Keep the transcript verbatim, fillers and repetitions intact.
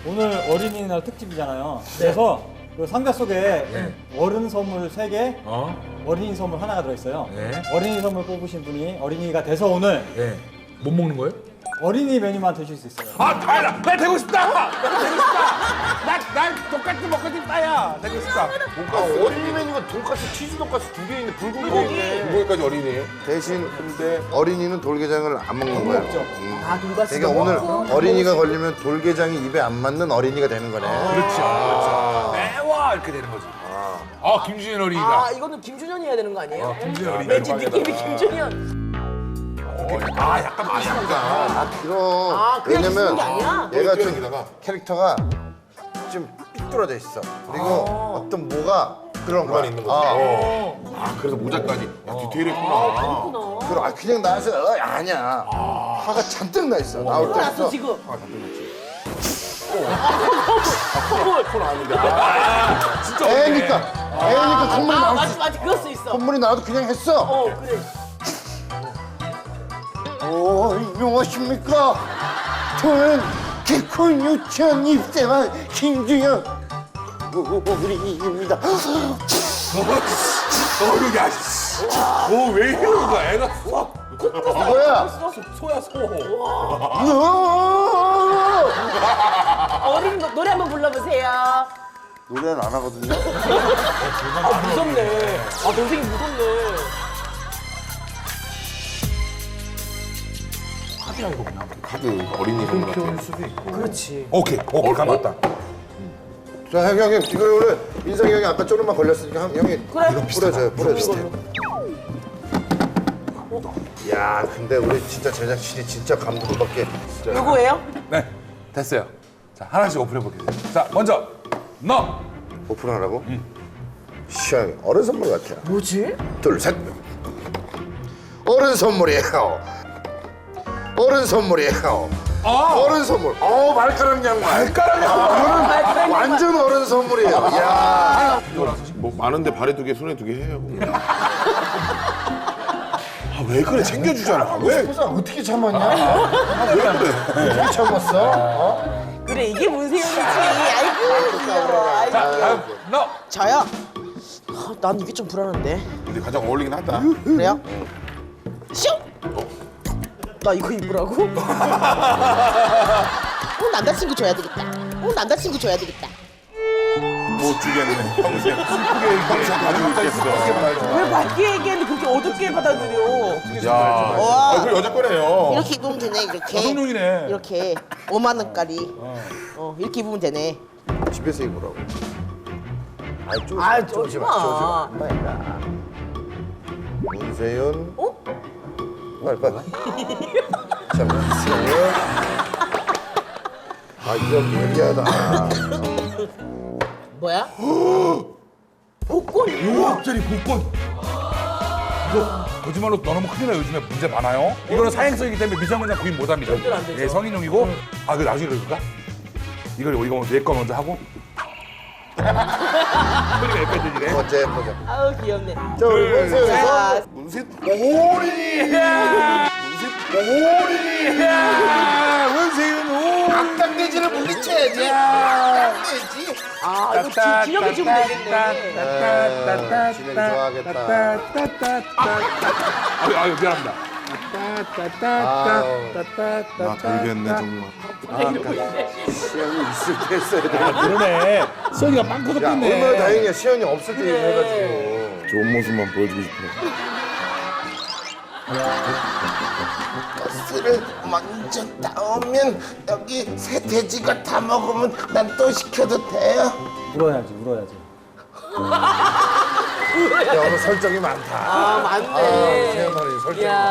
오늘 어린이날 특집이잖아요. 그래서 그 상자 속에 네. 어른 선물 세 개, 어? 어린이 선물 하나가 들어있어요. 네. 어린이 선물 뽑으신 분이 어린이가 돼서 오늘 네. 못 먹는 거예요? 어린이 메뉴만 드실 수 있어요. 아, 다행이다. 나 되고 싶다. 나 되고 싶다. 나, 나 똑같이 먹고 싶다야. 되고 싶다. 아, 어린이 메뉴가 돈까스, 치즈 돈까스 두 개 있네. 불고기 있네. 불고기까지 어린이. 대신 근데 어린이는 돌게장을 안 먹는 거예요. 먹죠. 음. 아, 돈가스. 그러니까 오늘 어린이가 걸리면 돌게장이 입에 안 맞는 어린이가 되는 거네. 그렇죠. 그렇죠. 매워 이렇게 되는 거지. 아, 김준현 어린이다. 아, 이거는 김준현이 해야 되는 거 아니에요? 김준현 어린이. 왠지 느낌이 김준현. 아, 약간 맛있다. 아, 그럼. 아, 그냥 왜냐면 주는 게 아니야? 얘가 좀 여기다가. 캐릭터가 좀 삐뚤어져 있어. 그리고 어떤 뭐가 그런 거야. 있는 거지. 어. 아, 그래서 모자까지. 야, 디테일이 했구나. 그렇구나. 그럼 아, 그냥 나와서 어, 아니야. 화가 잔뜩 나 있어. 나올 콧물 났어, 때부터. 지금. 콜 아닌데. 아, 진짜 어린이. 애니까. 애니까 콧물이 아, 나올 수 맞지, 맞지. 그럴 수 있어. 콧물이 나와도 그냥 했어. 어, 그래. 오, 안녕하십니까. 저는 개콘 유치원 입생한 김주현 우리입니다. 어휴, 야, 씨. 오, 왜 이러는 거야? 애가 쏙. 이거야. 소야, 소. 어린 노- 노래 한번 불러보세요. 노래는 안 하거든요. 아, 무섭네. 아, 동생이 무섭네. 카드야, 이거 그냥. 카드 어린이 선물 같은 수도 있고. 그렇지. 오케이, 오케이, 감았다. 자, 형, 형, 형. 이걸 원래 민상이 형이 아까 조금만 걸렸으니까 형, 형이 그래. 뿌려줘요. 뿌려주세요. 야, 근데 우리 진짜 제작진이 진짜 감동받게. 진짜. 요거예요? 네, 됐어요. 자, 하나씩 오픈해볼게요. 자, 먼저, 너. 오픈하라고? 응. 시원히 어른 선물 같아요. 뭐지? 둘, 셋. 어른 선물이에요. 어른 선물이에요. 아! 어른 선물. 어, 발가락 양말. 발가락이 이거는 완전 어른 선물이에요. 야. 뭐 많은데 발에 두 개, 손에 두 개 해요. 아, 왜 그래? 챙겨주잖아. 왜? 그래서 어떻게 참았냐? 아, 왜 그래? 어떻게 참았어? 어? 그래, 이게 문세윤이지. 아이고, 귀여워. 아이고. 다음, 너. 저요? 아, 난 이게 좀 불안한데. 근데 가장 어울리긴 하다. 그래요? 슉! 나 이거 입으라고? 어, 남자친구 줘야 되겠다. 어, 남자친구 줘야 되겠다. 못 주겠네. 평생 슬프게 평생 가지고 있겠어. 왜 밝게 얘기했는데 그렇게 어둡게 받아들여? 야, 와. 아, 그 여자 거네요. 이렇게 입으면 되네, 이렇게. 여성용이네. 이렇게 오만 원짜리. 어, 이렇게 입으면 되네. 집에서 입으라고. 아이, 쪼지 아, 마, 쪼지 마. 엄마야. 문세윤. 어? 빨리 빨리. 자, 문세윤. 아, 이거 예리하다. 뭐야? 복권? 오억짜리 복권. 이거 거짓말로 넣어놓으면 큰일 나요. 요즘에 문제 많아요. 이거는 사행성이기 때문에 미성년자 구입 못합니다. 절대로 안 되죠. 예, 성인용이고. 아, 그 나중에 그럴까? 이걸 이거 내 거 먼저 하고. 소리가 여기까지 들리네. 어째 보자. 아우, 귀엽네. 자, 우리 문세윤. 자, 문세 오리야! 오리야! 원세윤 오! 악당돼지를 물리쳐야지. 아, 이거 지- 진혁이 주면 되겠네. 에, 진혁이 좋아하겠다. 아유, 아유, 미안합니다. 나 돌겠네 정말. 시연이 있을 때 했어야 돼. 그러네. 수현이가 빵꾸 야, 섞였네. 얼마나 다행이야. 시연이 없을 때 얘기해가지고. 좋은 모습만 보여주고 싶어. 버스를 먼저 따오면 여기 새 돼지가 다 먹으면 난 또 시켜도 돼요? 울어야지, 울어야지. 야, 오늘 설정이 많다. 아, 맞네. 세연 어린이 설정이 야. 많다.